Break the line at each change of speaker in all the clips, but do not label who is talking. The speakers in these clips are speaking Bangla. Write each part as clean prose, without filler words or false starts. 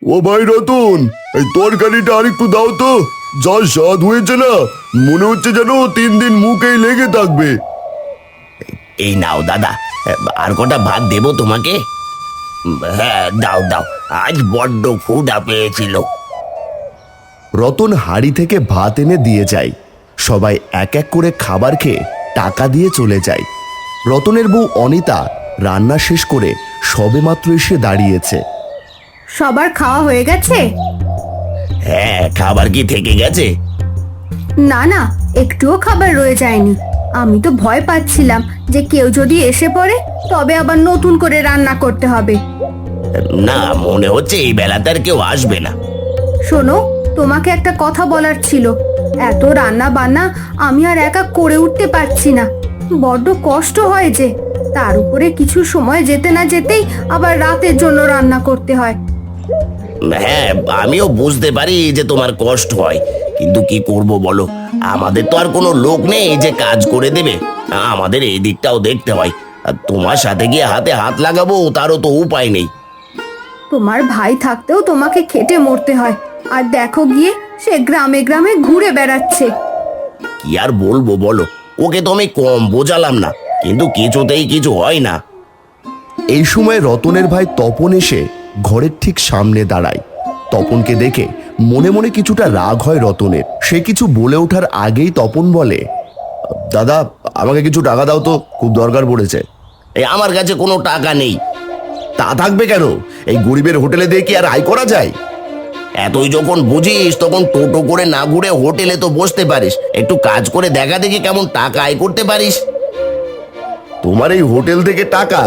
ও ভাই রতন, এই তরকারিটা আরেকটু দাও তো। যা স্বাদ হয়েছে না, মনে হচ্ছে যেন 3 দিন মুখেই লেগে থাকবে।
এই নাও দাদা, আর কটা ভাত দেবো তোমাকে? হ্যাঁ দাও দাও, আজ বড্ড ক্ষুধা পেয়েছিল।
রতন হাঁড়ি থেকে ভাত এনে দিয়ে যায়। সবাই এক এক করে খাবার খেয়ে টাকা দিয়ে চলে যায়। রতনের বউ অনিতা রান্না শেষ করে সবেমাত্র এসে দাঁড়িয়েছে।
সবার খাওয়া হয়ে গেছে?
হ্যাঁ, খাবার কি থেকে গেছে?
না না, একটুও খাবার রয়ে যায়নি। আমি তো ভয় পাচ্ছিলাম যে কেউ যদি এসে পড়ে তবে আবার নতুন করে রান্না করতে হবে।
না, মনে হচ্ছে এই বেলাতে আর কেউ আসবে না।
শোনো, তোমাকে একটা কথা বলার ছিল। এত রান্না বান্না আমি আর একা করে উঠতে পারছি না, বড্ড কষ্ট হয় যে। তার উপরে কিছু সময় যেতে না যেতেই আবার রাতের জন্য রান্না করতে হয়।
হ্যাঁ, আমিও বুঝতে পারি যে তোমার কষ্ট হয়, কিন্তু কি করব বলো, আমাদের তো আর কোনো লোক নেই যে কাজ করে দেবে। আমাদের এই দিকটাও দেখতে হয়, আর তোমার সাথে গিয়ে হাতে হাত লাগাবো তারও তো উপায় নেই।
তোমার ভাই থাকতেও তোমাকে খেটে মরতে হয়, আর দেখো গিয়ে সে গ্রামে গ্রামে ঘুরে বেড়াচ্ছে।
কি আর বলবো বলো, ওকে তো আমি কম বোঝালাম না, কিন্তু কিছুতেই কিছু হয় না।
এই সময় রতনের ভাই তপন এসে ঘরের ঠিক সামনে দাঁড়ায়। তপনকে দেখে মনে মনে কিছুটা রাগ হয় রতনের। সে কিছু বলে ওঠার আগেই তপন বলে,
দাদা, আমাকে কিছু টাকা দাও তো, খুব দরকার পড়েছে।
এই আমার কাছে কোনো টাকা নেই।
তা থাকবে কেন? এই গরিবের হোটেলে দিয়ে কি আর আয় করা যায়?
এতই যখন বুঝিস তখন টোটো করে না ঘুরে হোটেলে তো বসতে পারিস, একটু কাজ করে দেখা দেখি কেমন টাকা আয় করতে পারিস।
তোমার এই হোটেল থেকে টাকা?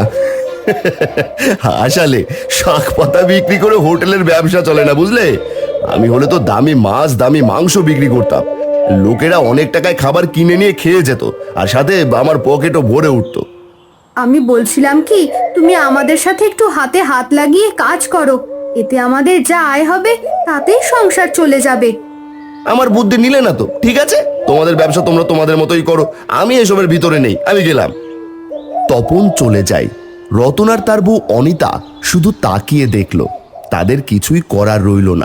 আসলে শাক পাতা বিক্রি করে হোটেলের ব্যবসা চলে না, বুঝলে? আমি হলে তো দামি মাছ দামি মাংস বিক্রি করতাম। লোকেরা অনেক টাকায় খাবার কিনে নিয়ে খেয়ে যেত, আর সাথে আমার পকেটও ভরে উঠতো।
আমি বলছিলাম কি, তুমি আমাদের সাথে একটু হাতে হাত লাগিয়ে কাজ করো, এতে আমাদের যা আয় হবে তাতেই সংসার চলে যাবে।
আমার বুদ্ধি নিলে না তো? ঠিক আছে, তোমাদের ব্যবসা তোমরা তোমাদের মতোই করো, আমি এসবের ভিতরে নেই, আমি গেলাম।
তপন চলে যায়। রতন আর তার বউ অনিতা শুধু তাকিয়ে দেখল, তাদের কিছুই করার রইল না।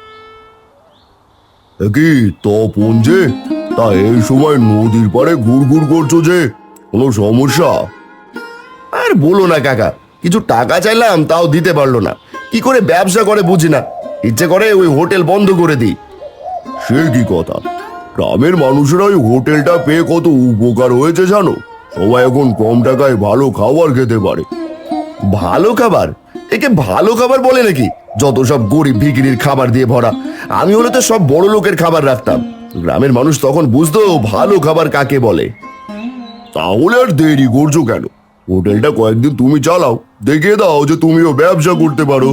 কি তপন যে, তা এই সময় নদীর পাড়ে ঘুরঘুর করছো যে, কোনো সমস্যা? আর বলো না কাকা, কিছু টাকা চাইলাম তাও দিতে পারলো না। কি করে ব্যবসা করে বুঝি না, ইচ্ছে করে ওই হোটেল বন্ধ করে দিই। সে কি কথা, গ্রামের মানুষেরা ওই হোটেলটা পেয়ে কত উপকার হয়েছে জানো? সবাই এখন কম টাকায় ভালো খাবার খেতে পারে। ভালো খাবার? একে ভালো খাবার বলে নাকি? যত সব গরিব ভিখিরির খাবার দিয়ে ভরা। আমি হলে তো সব বড় লোকের খাবার রাখতাম, গ্রামের মানুষ তখন বুঝতো ভালো খাবার কাকে বলে। তাহলে আর দেরি করছো কেন? হোটেলটা কয়েকদিন তুমি চালাও, দেখিয়ে দাও যে তুমিও ব্যবসা করতে পারো।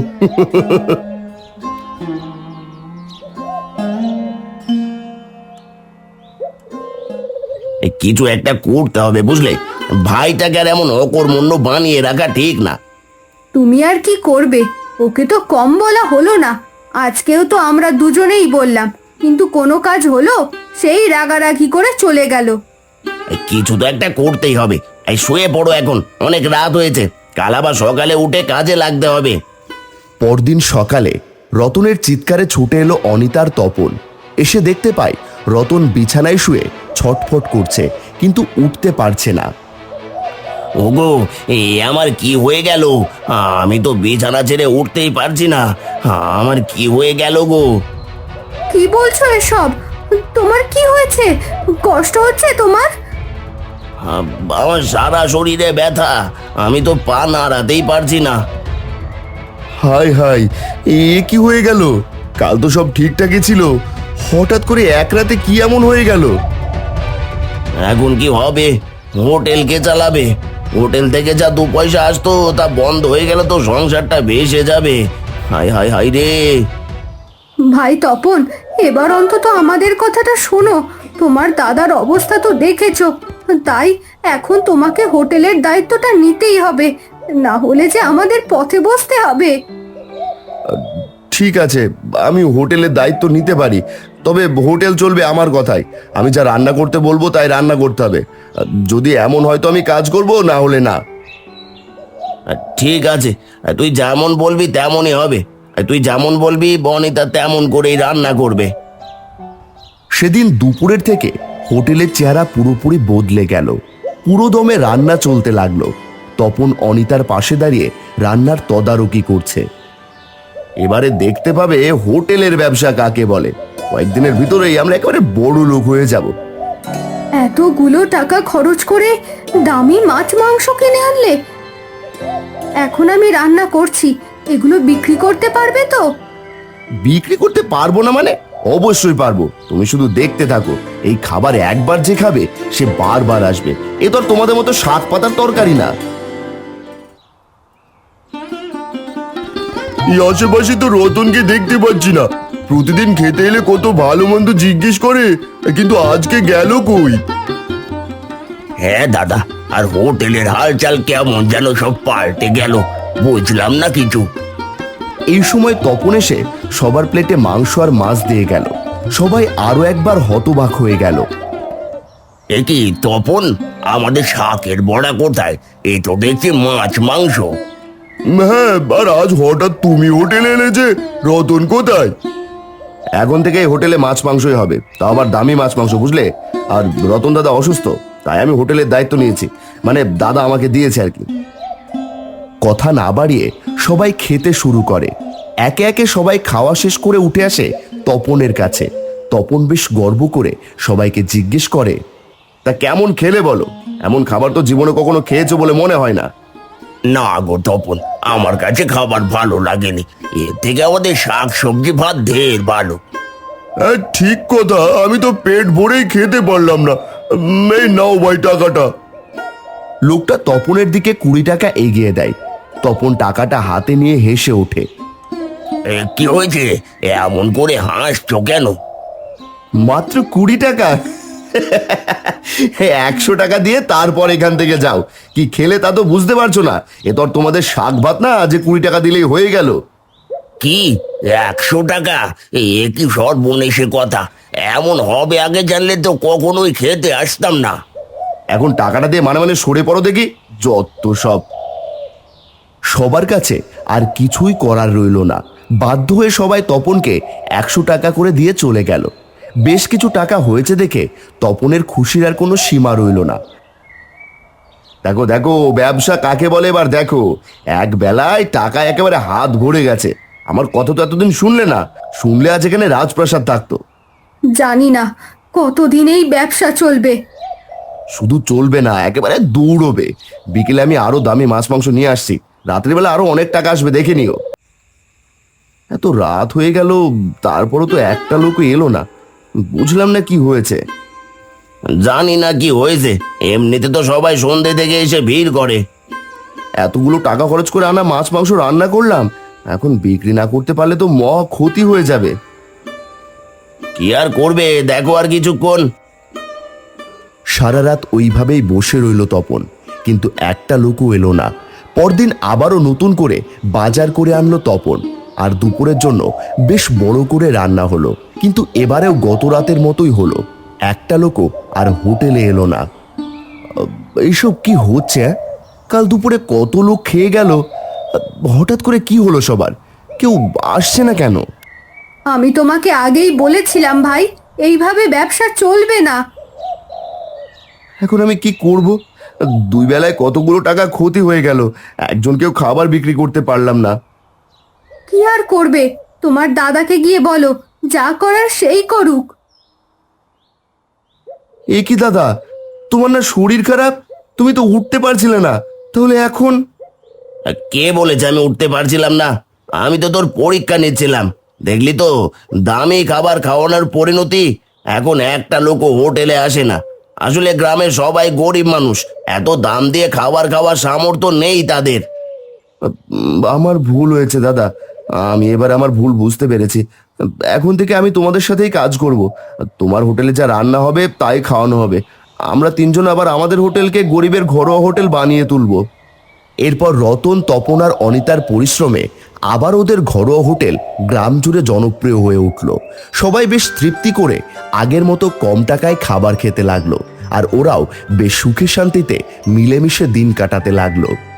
কিছু একটা করতে হবে, বুঝলে? ভাইটাকে আর এমন অকর্মণ্য বানিয়ে রাখা ঠিক না।
তুমি আর কি করবে, ওকে তো কম বলা হলো না। আজকেও তো আমরা দুজনেই বললাম, কিন্তু কোনো কাজ হলো? সেই রাগারাগি করে চলে গেল।
কিছু তো একটা করতেই হবে। এই শুয়ে পড়ো এখন, অনেক রাত হয়েছে, কাল আবার সকালে উঠে কাজে লাগতে হবে।
পরদিন সকালে রতনের চিৎকারে ছুটে এলো অনিতার তপন। এসে দেখতে পায় রতন বিছানায় শুয়ে ছটফট করছে, কিন্তু উঠতে পারছে না।
ওগো, এ আমার কি হয়ে গেল? আমি তো বিছানা ছেড়ে উঠতেই পারছি না। আমার কি হয়ে গেল গো?
কি বলছো এসব? তোমার কি হয়েছে? কষ্ট হচ্ছে তোমার?
আমার সারা শরীরে ব্যথা, আমি তো পা নাড়াতেই পারছি না।
হাই হাই, এ কি হয়ে গেল? কাল তো সব ঠিকঠাকই ছিল, হঠাৎ করে এক রাতে কি এমন হয়ে গেল?
এখন কি হবে? হোটেল কে চালাবে? হোটেল থেকে যা 2 পয়সা আসতো তা বন্ধ হয়ে গেল তো সংসারটা ভেসে যাবে। হাই হাই হাই রে!
ভাই তপন, এবার অন্তত আমাদের কথাটা শোনো। তোমার দাদার অবস্থা তো দেখেছো, তাই এখন তোমাকে হোটেলের দায়িত্বটা নিতেই হবে, না হলে যে আমাদের পথে বসতে হবে।
ঠিক আছে, আমি হোটেলের দায়িত্ব নিতে পারি, তবে হোটেল চলবে আমার কথায়। আমি যা রান্না করতে বলবো তাই রান্না করতে হবে। যদি এমন হয় তো আমি কাজ করব, না হলে না।
ঠিক আছে, তুই যেমন বলবি তেমনই হবে। তুই যেমন বলবি বনিতা তেমন করেই রান্না করবে।
সেদিন দুপুরের থেকে হোটেলের চেহারা পুরোপুরি বদলে গেল। পুরো দমে রান্না চলতে লাগলো। তপন অনিতার পাশে দাঁড়িয়ে রান্নার তদারকি করছে।
এবারে দেখতে পাবে হোটেলের ব্যবসা কাকে বলে। কয়েকদিনের ভিতরেই আমরা একেবারে বড় লোক হয়ে যাব।
এতগুলো টাকা খরচ করে দামি মাছ মাংস কিনে আনলে, এখন আমি রান্না করছি, এগুলো বিক্রি করতে পারবে তো?
বিক্রি করতে পারবো না মানে? অবশ্যই পারবো, তুমি শুধু দেখতে থাকো। এই খাবার একবার যে খাবে সে বারবার আসবে। এ তো আর তোমাদের মতো শাক পাতার তরকারি না। এই আশেপাশে তো রতনকে দেখতে পাচ্ছি না। প্রতিদিন খেতে এলে কত ভালো মন্দ জিজ্ঞেস করে, কিন্তু আজকে গেল কই?
হ্যাঁ দাদা, আর হোটেলের হালচাল কেমন যেন সব পাল্টে গেল, বুঝলাম না কিছু।
এই সময় তপন এসে সবার প্লেটে মাংস আর মাছ দিয়ে গেল। সবাই আরো একবার হতবাক হয়ে গেল।
এ কি তপন, আমাদের শাকের বড়া কোথায়? এ তো দেখছি মাছ মাংস।
হ্যাঁ, আর আজ হঠাৎ তুমি হোটেলে এলে যে? রতন কোথায়? এখন থেকে এই হোটেলে মাছ মাংসই হবে, তা আবার দামি মাছ মাংস, বুঝলে? আর রতন দাদা অসুস্থ, তাই আমি হোটেলের দায়িত্ব নিয়েছি। মানে দাদা আমাকে দিয়েছে আর কি।
কথা না বাড়িয়ে সবাই খেতে শুরু করে। একে একে সবাই খাওয়া শেষ করে উঠে আসে তপনের কাছে। তপন বেশ গর্ব করে সবাইকে জিজ্ঞেস করে,
তা কেমন খেলে বলো? এমন খাবার তো জীবনে কখনো খেয়েছো বলে মনে হয় না।
না গো তপন, আমার কাছে খাবার ভালো লাগেনি। এর থেকে আমাদের শাক সবজি ভাত ঢের ভালো।
হ্যাঁ, ঠিক কথা, আমি তো পেট ভরেই খেতে পারলাম না। এই নাও ভাই টাকাটা।
লোকটা তপনের দিকে 20 টাকা এগিয়ে দেয়। তপন টাকাটা হাতে নিয়ে হেসে ওঠে।
কি হয়েছে, এমন করে হাসছো কেন?
মাত্র 20 টাকা? 100 টাকা দিয়ে তারপর এখান থেকে যাও। কি খেলে তা তো বুঝতে পারছো না। এ তো আর তোমাদের শাক ভাত না যে 20 টাকা দিলেই হয়ে গেল।
কি 100 টাকা? এ কি সর্বনেশে কথা! এমন হবে আগে জানলে তো কখনোই খেতে আসতাম না।
এখন টাকাটা দিয়ে মানে মানে সরে পড়ো দেখি, যত সব।
সবার কাছে আর কিছুই করার রইল না। বাধ্য হয়ে সবাই তপনকে 100 টাকা করে দিয়ে চলে গেল। বেশ কিছু টাকা হয়েছে দেখে তপনের খুশির আর কোনো সীমা রইল না।
দেখো দেখো, ব্যবসা কাকে বলে এবার দেখো। এক বেলায় টাকা একেবারে হাত ভরে গেছে। আমার কথা তো এতদিন শুনলে না, শুনলে আজ এখানে রাজপ্রাসাদ থাকতো।
জানি না কতদিন এই ব্যবসা চলবে।
শুধু চলবে না, একেবারে দৌড়বে। বিকেলে আমি আরো দামি মাছ মাংস নিয়ে আসছি। রাত্রিবেলা আরো অনেক টাকা আসবে, দেখে নিও। এত রাত হয়ে গেল, তারপরও তো একটা লোকও এলো না। বুঝলাম না কি হয়েছে।
জানি না কি হয়েছে, এমনিতে তো সবাই সন্ধ্যে থেকে এসে ভিড় করে।
এতগুলো টাকা খরচ করে আনা মাছ মাংস রান্না করলাম, এখন বিক্রি না করতে পারলে তো মহা ক্ষতি হয়ে যাবে।
কি আর করবে, দেখো আর কিছুক্ষণ।
সারা রাত ওইভাবেই বসে রইল তপন, কিন্তু একটা লোকও এলো না। পরদিন আবারও নতুন করে বাজার করে আনলো তপন, আর দুপুরের জন্য বেশ বড় করে রান্না হলো। কিন্তু এবারেও গত রাতের মতোই হলো, একটা লোকও আর হোটেলে এলো না। এইসব কি হচ্ছে? কাল দুপুরে কত লোক খেয়ে গেল, হঠাৎ করে কি হলো সবার? কেউ আসছে না কেন?
আমি তোমাকে আগেই বলেছিলাম ভাই, এইভাবে ব্যবসা চলবে না।
এখন আমি কি করব? দুই বেলায় কতগুলো টাকা ক্ষতি হয়ে গেল, একজনকেও খাবার বিক্রি করতে পারলাম না।
কি আর করবে, তোমার দাদাকে গিয়ে বলো, যা করার সেই করুক।
এ কি দাদা, তোমার না শরীর খারাপ? তুমি তো উঠতে পারছিলে না, তাহলে এখন?
কে বলেছে আমি উঠতে পারছিলাম না? আমি তো তোর পরীক্ষা নিচ্ছিলাম। দেখলি তো দামি খাবার খাওয়ানোর পরিণতি। এখন একটা লোকও হোটেলে আসে না। আসলে গ্রামের সবাই গরিব মানুষ, এত দাম দিয়ে খাবার খাওয়ার সামর্থ্য নেই তাদের।
আমার ভুল হয়েছে দাদা, আমি এবার আমার ভুল বুঝতে পেরেছি। এখন থেকে আমি তোমাদের সাথেই কাজ করব। তোমার হোটেলে যা রান্না হবে তাই খাওয়ানো হবে। আমরা তিনজন আবার আমাদের হোটেলকে গরিবের ঘরোয়া হোটেল বানিয়ে তুলবো।
এরপর রতন, তপন আর অনিতার পরিশ্রমে আবার ওদের ঘরোয়া হোটেল গ্রাম জুড়ে জনপ্রিয় হয়ে উঠল। সবাই বেশ তৃপ্তি করে আগের মতো কম টাকায় খাবার খেতে লাগলো, আর ওরাও বেশ সুখে শান্তিতে মিলেমিশে দিন কাটাতে লাগলো।